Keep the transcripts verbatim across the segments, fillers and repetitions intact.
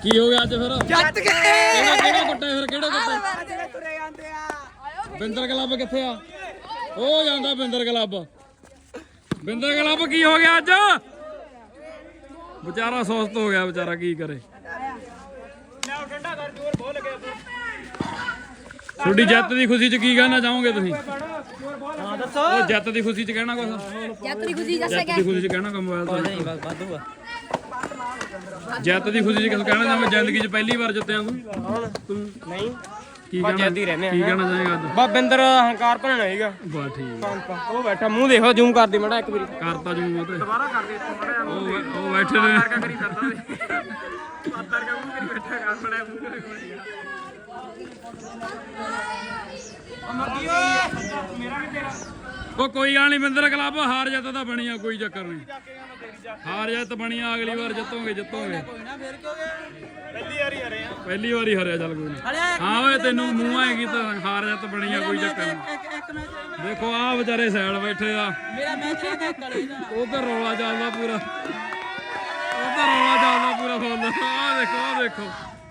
ਕੀ ਹੋ ਗਿਆ ਅੱਜ ਫਿਰ? ਜੱਟ ਗਏ। ਕਿਹੜਾ ਕਿਹੜਾ ਕੁੱਟੇ ਫਿਰ ਕਿਹੜਾ ਕੁੱਟੇ? ਤੁਰੇ ਜਾਂਦੇ ਆ। ਬਿੰਦਰ ਕਲੱਬ ਕਿੱਥੇ ਆ? ਉਹ ਜਾਂਦਾ ਬਿੰਦਰ ਕਲੱਬ। ਬਿੰਦਰ ਕਲੱਬ ਕੀ ਹੋ ਗਿਆ ਅੱਜ? ਵਿਚਾਰਾ ਸੁਸਤ ਹੋ ਗਿਆ ਵਿਚਾਰਾ, ਕੀ ਕਰੇ। ਤੁਹਾਡੀ ਜਿੱਤ ਦੀ ਖੁਸ਼ੀ ਚ ਕੀ ਕਹਿਣਾ ਚਾਹੋਗੇ ਤੁਸੀਂ? ਹਾਂ ਦੱਸੋ। ਉਹ ਜਿੱਤ ਦੀ ਖੁਸ਼ੀ ਚ ਕਹਿਣਾ ਕੁਛ? ਜੱਤ ਦੀ ਖੁਸ਼ੀ ਦੱਸਿਆ ਜਿੱਤ ਦੀ ਖੁਸ਼ੀ ਚ ਕਹਿਣਾ ਕੰਮ ਮੋਬਾਈਲ ਤੋਂ ਜਿੱਤ ਦੀ ਖੁਸ਼ੀ ਚ ਕਿਸ ਕਹਿਣਾ ਚਾਹੁੰਦਾ? ਜ਼ਿੰਦਗੀ ਚ ਪਹਿਲੀ ਵਾਰ ਜਿੱਤਿਆ ਤੂੰ? ਤੂੰ ਨਹੀਂ ਕੀ ਕਹਿਣਾ ਕੀ ਕਹਿਣਾ ਚਾਹੇਗਾ ਅੱਜ? ਬਾ ਬਿੰਦਰ ਹੰਕਾਰ ਭਣਨਾ ਹੈਗਾ। ਬਾ ਠੀਕ ਉਹ ਬੈਠਾ ਮੂੰਹ ਦੇਖੋ ਜ਼ੂਮ ਕਰਦੀ ਮੜਾ ਇੱਕ ਵਾਰੀ। ਕਰਤਾ ਜੂ ਉਹ ਤੇ ਦੁਬਾਰਾ ਕਰ ਦੇ ਇੱਥੇ ਮੜਾ ਉਹ ਉਹ ਬੈਠੇ ਨੇ ਕਰੀ ਕਰਦਾ ਵੇ ਪਾਤਰ ਕਾ ਮੂੰਹ ਕਰੀ ਬੈਠਾ ਕਰ ਬੜਾ ਮੂੰਹ ਕਰੀ ਅਮਰਦੀਪ ਮੇਰਾ ਵੀ ਤੇਰਾ। ਉਹ ਕੋਈ ਗੱਲ ਨਹੀਂ ਬਿੰਦਰ ਕਲੱਬ ਹਾਰ ਜਿੱਤ ਤਾਂ ਬਣੀ ਆ, ਕੋਈ ਚੱਕਰ ਨਹੀਂ। ਹਾਰ ਜਿੱਤ ਬਣੀ ਆ, ਅਗਲੀ ਵਾਰ ਜਿੱਤੋਗੇ ਜਿੱਤੋਗੇ। ਪਹਿਲੀ ਵਾਰੀ ਹਰੇ ਆ। ਪਹਿਲੀ ਵਾਰੀ ਹਰਿਆ ਚੱਲ ਕੋਈ ਨਹੀਂ। ਹਾਂ ਓਏ ਤੈਨੂੰ ਮੂੰਹ ਆਏਗੀ ਤਾਂ ਹਾਰ ਜਿੱਤ ਬਣੀ ਆ, ਕੋਈ ਚੱਕਰ ਨਹੀਂ। ਇੱਕ ਮੈਚ ਦੇਖੋ ਆ ਵਿਚਾਰੇ ਸਾਈਡ ਬੈਠੇ ਆ, ਮੇਰਾ ਮੈਚ ਹੈ ਕਲੇ ਦਾ। ਉਧਰ ਰੌਲਾ ਚੱਲਦਾ ਪੂਰਾ, ਉਧਰ ਰੌਲਾ ਚੱਲਦਾ ਪੂਰਾ ਫੁੱਲ। ਆ ਦੇਖੋ ਆ ਦੇਖੋ।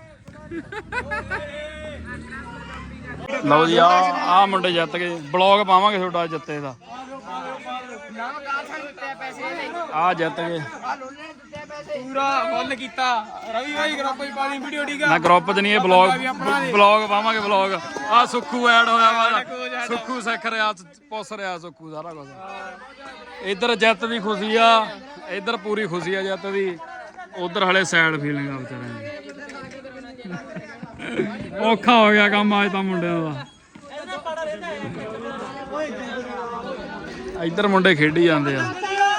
ਲਓ ਜੀ ਆ ਆ ਮੁੰਡੇ ਜਿੱਤ ਗਏ। ਬਲੌਗ ਪਾਵਾਂਗੇ ਤੁਹਾਡਾ ਜਿੱਤੇ ਦਾ। ਆ ਜਿੱਤ ਗਏ। ਪੂਰਾ ਫੁੱਲ ਕੀਤਾ ਰਵੀ ਭਾਈ ਗਰੁੱਪ ਵਿੱਚ ਪਾਣੀ ਵੀਡੀਓ ਠੀਕ ਆ ਨਾ ਗਰੁੱਪ 'ਚ ਨਹੀਂ, ਇਹ ਬਲੌਗ ਬਲੌਗ ਪਾਵਾਂਗੇ ਬਲੌਗ। ਆ ਸੁੱਖੂ ਐਡ ਹੋਇਆ ਵਾ, ਸੁੱਖੂ ਸਿੱਖ ਰਿਹਾ, ਪੁੱਛ ਰਿਹਾ ਸੁੱਖੂ ਸਾਰਾ ਕੁਝ। ਇੱਧਰ ਜਿੱਤ ਦੀ ਖੁਸ਼ੀ ਆ, ਇੱਧਰ ਪੂਰੀ ਖੁਸ਼ੀ ਆ ਜਿੱਤ ਦੀ। ਉਧਰ ਹਲੇ ਸੈਡ ਫੀਲਿੰਗ ਆ ਵਿਚਾਰਿਆਂ ਦੀ। ਔਖਾ ਹੋ ਗਿਆ ਕੰਮ ਅੱਜ ਤਾਂ ਮੁੰਡਿਆਂ ਦਾ। ਇੱਧਰ ਮੁੰਡੇ ਖੇਡੀ ਜਾਂਦੇ ਆ।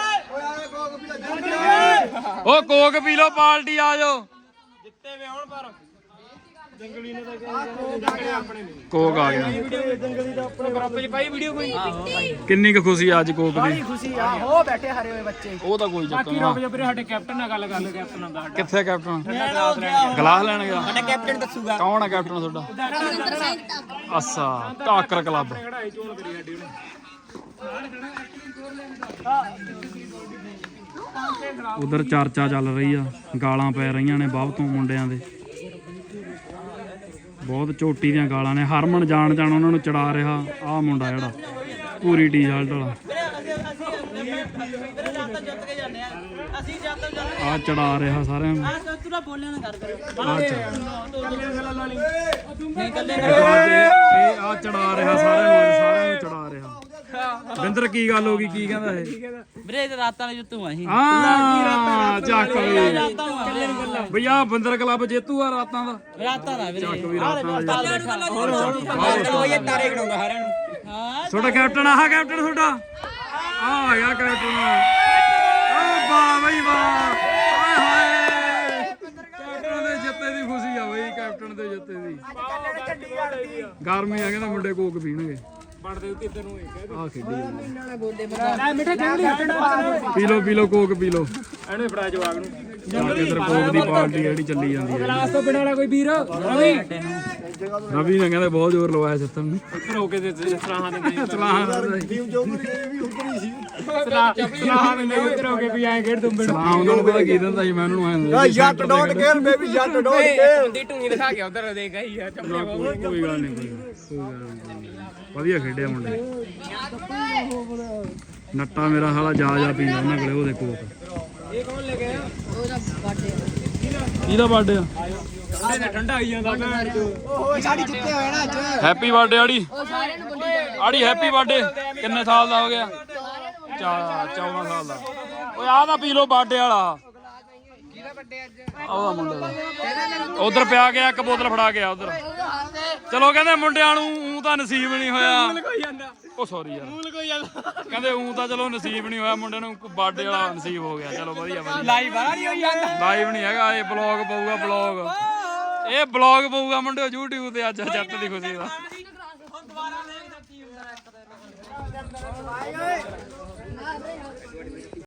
ਉਹ ਕੋਕ ਪੀ ਲੋ, ਪਾਰਟੀ ਆ ਜਾਓ। ਜਿੱਤੇ ਵੇ ਹੁਣ ਪਰ ਜੰਗਲੀ ਨੇ ਤਾਂ ਆਪਣੇ ਨੇ ਕੋਕ ਆ ਗਿਆ। ਜੰਗਲੀ ਦਾ ਆਪਣੇ ਗਰੁੱਪ ਵਿੱਚ ਪਾਈ ਵੀਡੀਓ ਕੋਈ। ਕਿੰਨੀ ਕੁ ਖੁਸ਼ੀ ਆ ਅੱਜ ਕੋਕ ਦੀ? ਖੁਸ਼ੀ ਆ ਉਹ ਬੈਠੇ ਹਰੇ ਹੋਏ ਬੱਚੇ। ਉਹ ਤਾਂ ਕੋਈ ਚੱਕਰ ਬਾਕੀ ਰੁਕ ਜਾ ਵੀਰੇ, ਸਾਡੇ ਕੈਪਟਨ ਨਾਲ ਗੱਲ ਕਰ ਲਓ। ਕੈਪਟਨ ਹੁੰਦਾ ਸਾਡਾ। ਕਿੱਥੇ ਕੈਪਟਨ? ਗਲਾਸ ਲੈਣ ਗਿਆ। ਸਾਡਾ ਕੈਪਟਨ ਦੱਸੂਗਾ ਕੌਣ ਹੈ ਕੈਪਟਨ ਤੁਹਾਡਾ? ਰਵਿੰਦਰ ਸਿੰਘ ਤੱਕ ਅੱਛਾ ਟਾਕਰ ਕਲੱਬ। ਕਢਾਈ ਚੋਣ ਕਰੀ ਸਾਡੀ ਉਧਰ ਚਰਚਾ ਚੱਲ ਰਹੀ ਆ, ਗਾਲਾਂ ਪੈ ਰਹੀਆਂ ਨੇ ਬਾਹਰ ਤੋਂ ਮੁੰਡਿਆਂ ਦੇ। ਬਹੁਤ ਝੋਟੀ ਦੀਆਂ ਗਾਲਾਂ ਨੇ। ਹਰਮਨ ਜਾਣ ਜਾਣ ਉਹਨਾਂ ਨੂੰ ਚੜਾ ਰਿਹਾ ਆਹ ਮੁੰਡਾ ਜਿਹੜਾ ਪੂਰੀ ਟੀ-ਸ਼ਰਟ ਵਾਲਾ। ਆ ਚੜਾ ਰਿਹਾ ਸਾਰਿਆਂ ਨੂੰ। ਤੂੰ ਬੋਲਿਆ ਨਾ ਕਰ ਕਰ ਆ ਚੜਾ ਨਹੀਂ ਕੱਲੇ ਇਹ ਆ ਚੜਾ ਰਿਹਾ ਸਾਰਿਆਂ ਨੂੰ, ਸਾਰਿਆਂ ਨੂੰ ਚੜਾ ਰਿਹਾ। ਬਿੰਦਰ ਕੀ ਗੱਲ ਹੋ ਗਈ? ਕੀ ਕਹਿੰਦਾ ਇਹ? ਵੀਰੇ ਤੇ ਰਾਤਾਂ ਵਿੱਚ ਤੂੰ ਆਹੀ ਆ ਚੱਕ ਵੀ ਰਾਤਾਂ ਨੂੰ ਬਈ ਆ ਬਿੰਦਰ ਕਲੱਬ ਜੇਤੂ ਆ ਰਾਤਾਂ ਦਾ। ਰਾਤਾਂ ਦਾ ਵੀਰੇ ਚੱਕ ਵੀ ਰਾਤਾਂ ਦਾ। ਉਹ ਤਾਰੇ ਖੜਾਉਂਦਾ ਸਾਰਿਆਂ ਨੂੰ। ਹਾਂ ਤੁਹਾਡਾ ਕੈਪਟਨ ਆਹ ਕੈਪਟਨ ਤੁਹਾਡਾ ਆ ਆ ਗਿਆ ਕੈਪਟਨ। ਓ ਵਾਹ ਬਈ ਵਾਹ, ਹਾਏ ਹਾਏ। ਕੈਪਟਨ ਦੇ ਜਿੱਤੇ ਦੀ ਖੁਸ਼ੀ ਆ ਬਈ, ਕੈਪਟਨ ਦੇ ਜਿੱਤੇ ਦੀ। ਗਰਮੀ ਆ, ਕਹਿੰਦਾ ਮੁੰਡੇ ਕੋਕ ਪੀਣਗੇ। ਬਣਦੇ ਉੱਤੇ ਇਧਰ ਨੂੰ ਆ ਖੇਡੀ ਲੈ ਮਿੱਠਾ ਜੰਗਲੀ ਪੀ ਲੋ ਪੀ ਲੋ ਕੋਕ ਪੀ ਲੋ। ਇਹਨੇ ਫੜਾ ਜਵਾਗ ਨੂੰ। ਇਧਰ ਕੋਕ ਦੀ ਪਾਰਟੀ ਜਿਹੜੀ ਚੱਲੀ ਜਾਂਦੀ ਹੈ। ਗਲਾਸ ਤੋਂ ਬਿਨਾਂ ਵਾਲਾ ਕੋਈ ਵੀਰ ਰਵੀ ਰਵੀ ਨੇ ਕਹਿੰਦੇ ਬਹੁਤ ਜ਼ੋਰ ਲਵਾਇਆ ਸਿੱਤਨ ਨੂੰ। ਉੱਪਰ ਹੋ ਕੇ ਦੇ ਸਲਾਹਾਂ ਦੇ ਸਲਾਹਾਂ ਸਲਾਹਾਂ ਦੇ ਉੱਪਰ ਹੋ ਕੇ ਵੀ ਐਂ ਖੇਡ ਦੁੰਬੇ ਸਲਾਹ ਉਹਨਾਂ ਨੂੰ ਪਤਾ ਕੀ ਦਿੰਦਾ ਸੀ, ਮੈਂ ਉਹਨਾਂ ਨੂੰ ਐਂ Jatt don't care baby Jatt don't care. ਹੁੰਦੀ ਟੂਣੀ ਦਿਖਾ ਕੇ ਉਧਰ ਦੇ ਗਈ ਯਾਰ ਚੱਪਲੇ ਕੋਈ ਕੋਈ ਗੱਲ ਨਹੀਂ, ਕੋਈ ਕੋਈ ਗੱਲ ਨਹੀਂ। ਵਧੀਆ ਖੇਡਿਆ ਮੁੰਡੇ। ਨੱਟਾ ਮੇਰਾ ਹਾਲਾ ਜਾ ਜਾ ਪੀਂਦਾ ਉਹਨਾਂ ਕੋਲੇ ਉਹਦੇ ਕੋਕ। ਇਹ ਕੌਣ ਲੈ ਗਿਆ ਉਹਦਾ ਬਰਥਡੇ ਕਿਹਦਾ ਬਰਥਡੇ ਆ? ਠੰਡੇ ਤੇ ਠੰਡਾ ਆਈ ਜਾਂਦਾ ਭੈਣ ਚੋ। ਓਏ ਸਾਡੀ ਜਿੱਤੇ ਹੋਏ ਨਾ ਅੱਜ। ਹੈਪੀ ਬਰਥਡੇ ਆੜੀ। ਉਹ ਸਾਰਿਆਂ ਨੂੰ ਬੰਦੀ ਆੜੀ ਹੈਪੀ ਬਰਥਡੇ। ਕਿੰਨੇ ਸਾਲ ਦਾ ਹੋ ਗਿਆ? ਚਾ ਚੌਦਾਂ ਸਾਲ ਦਾ। ਓਏ ਆਹ ਤਾਂ ਪੀ ਲੋ ਬਰਥਡੇ ਵਾਲਾ। ਕਿਹਦਾ ਵੱਡੇ ਅੱਜ? ਉਹਦਾ ਮੁੰਡੇ ਦਾ ਉਧਰ ਪਿਆ ਗਿਆ, ਇੱਕ ਬੋਤਲ ਫੜਾ ਗਿਆ ਉਧਰ। ਚਲੋ ਕਹਿੰਦੇ ਮੁੰਡਿਆਂ ਨੂੰ ਊਂ ਤਾਂ ਨਸੀਬ ਨਹੀਂ ਹੋਇਆ। ਕੋਈ ਜਾਂਦਾ ਉਹ ਸੌਰੀ ਯਾਰ, ਮੂਲ ਕੋਈ ਜਾਂਦਾ ਕਹਿੰਦੇ ਊਂ ਤਾਂ ਚਲੋ ਨਸੀਬ ਨਹੀਂ ਹੋਇਆ, ਮੁੰਡੇ ਨੂੰ ਬਰਥਡੇ ਵਾਲਾ ਨਸੀਬ ਹੋ ਗਿਆ। ਚਲੋ ਵਧੀਆ ਵਧੀਆ। ਲਾਈਵ ਬਾਹਰ ਨਹੀਂ ਹੋਈ ਜਾਂਦਾ। ਲਾਈਵ ਨਹੀਂ ਹੈਗਾ, ਇਹ ਬਲੌਗ ਪਊਗਾ ਬਲੌਗ। ਇਹ ਬਲੌਗ ਪਊਗਾ ਮੁੰਡਿਓ YouTube ਤੇ ਅੱਜ ਜੱਟ ਦੀ ਖੁਸ਼ੀ ਦਾ। ਹੁਣ ਦੁਬਾਰਾ ਦੇਖਦਾ ਕੀ ਹੁੰਦਾ ਇੱਕ ਦਿਨ।